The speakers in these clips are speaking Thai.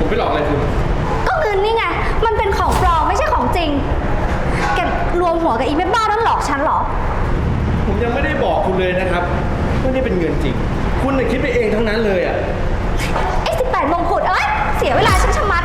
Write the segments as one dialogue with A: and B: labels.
A: ไปหลอกอะไรคุณ
B: ก็เงินนี่ไง มันเป็นของปลอมไม่ใช่ของจริง แกรวมหัวกับอีแม่บ้านั่นหลอกฉันเหรอ
A: ผมยังไม่ได้บอกคุณเลยนะครับว่านี่เป็นเงินจริง คุณน่ะคิดไปเองทั้งนั้นเลยอ่ะ
B: ไอ้18 มงกุฎเอ้ย เสียเวลาฉันชะมัด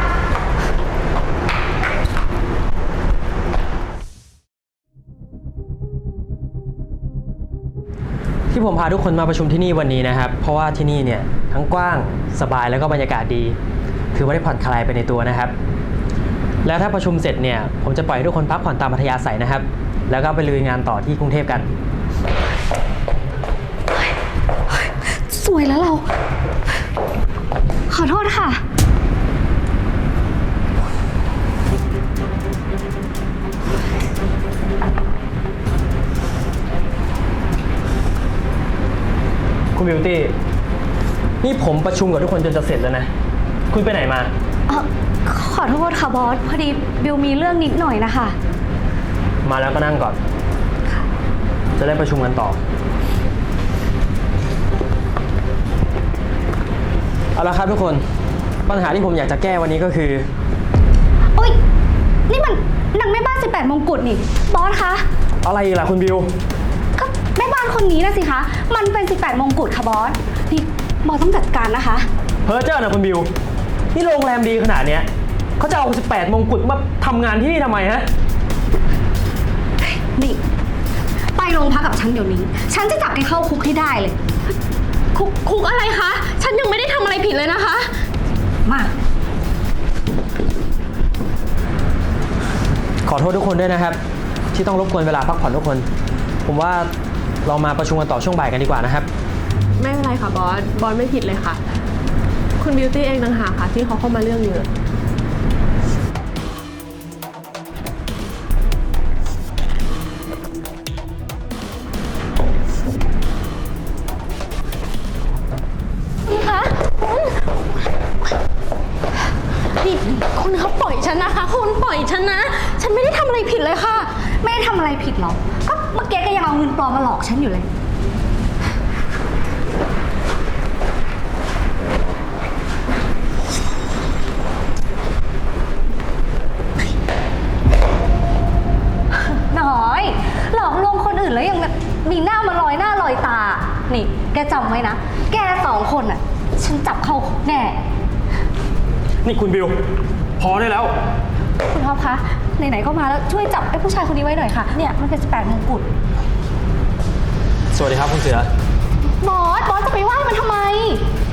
C: ที่ผมพาทุกคนมาประชุมที่นี่วันนี้นะครับ เพราะว่าที่นี่เนี่ยทั้งกว้างสบายแล้วก็บรรยากาศดีถือว่าได้ผ่อนคลายไปในตัวนะครับ แล้วถ้าประชุมเสร็จเนี่ยผมจะปล่อยให้ทุกคนพักผ่อนตามอัธยาศัยนะครับ แล้วก็ไปลุยงานต่อที่กรุงเทพกัน
B: สวยแล้วเรา ขอโทษค่ะ
C: คุณบิวตี้นี่ผมประชุมกับทุกคนจนจะเสร็จแล้วนะ คุณไปไหนมา
B: ขอโทษค่ะบอส พอดีบิวมีเรื่องนิดหน่อยนะคะ
C: มาแล้วก็นั่งก่อน จะได้ประชุมกันต่อ เอาละครับทุกคน ปัญหาที่ผมอยากจะแก้วันนี้ก็คือ
B: โอ๊ย นี่มันนางแม่บ้าน18 มงกุฎนี่ บอสคะ
C: อะไรอีกล่ะคุณบิว
B: ก็แม่บ้านคนนี้นะสิคะ มันเป็น18 มงกุฎค่ะบอส นี่บอสต้องจัดการนะคะ
C: เพ้อเจ้านะคุณบิว นี่โรงแรมดีขนาดเนี้ยเขาจะเอา18 มงกุฎมาทำงานที่นี่ทำไมฮะ
B: นี่ ไปโรงพักกับฉันเดี๋ยวนี้ ฉันจะจับแกเข้าคุกให้ได้เลย
D: คุกอะไรคะ ฉันยังไม่ได้ทำอะไรผิดเลยนะคะ
B: มา
C: ขอโทษทุกคนด้วยนะครับ ที่ต้องรบกวนเวลาพักผ่อนทุกคน ผมว่าเรามาประชุมกันต่อช่วงบ่ายกันดีกว่านะครับ
D: ไม่เป็นไรค่ะบอส บอสไม่ผิดเลยค่ะ คุณบิวตี้เองต่างหากค่ะที่เขาเข้ามาเรื่องเยอะ
B: คะ
D: นี่คุณเขาปล่อยฉันนะคะ คุณปล่อยฉันนะ ฉันไม่ได้ทำอะไรผิดเลยค่ะ
B: ไม่ได้ทำอะไรผิดหรอก ก็เมื่อกี้แกยังเอาเงินปลอมมาหลอกฉันอยู่เลย น้อย หลอกลวงคนอื่นแล้วยังแบบมีหน้ามาลอยหน้าลอยตา นี่ แกจำไว้นะ แก2 คนอ่ะ ฉันจับเข้าคุกแน่
C: นี่คุณบิว พอได้แล้ว
B: คุณท็อปคะ ไหนๆก็มาแล้วช่วยจับไอ้ผู้ชายคนนี้ไว้หน่อยค่ะ เนี่ยมันเป็น18 มงกุฎ
C: สวัสดีครับคุณเสือ
B: บอสจะไปไหว้มันทำไม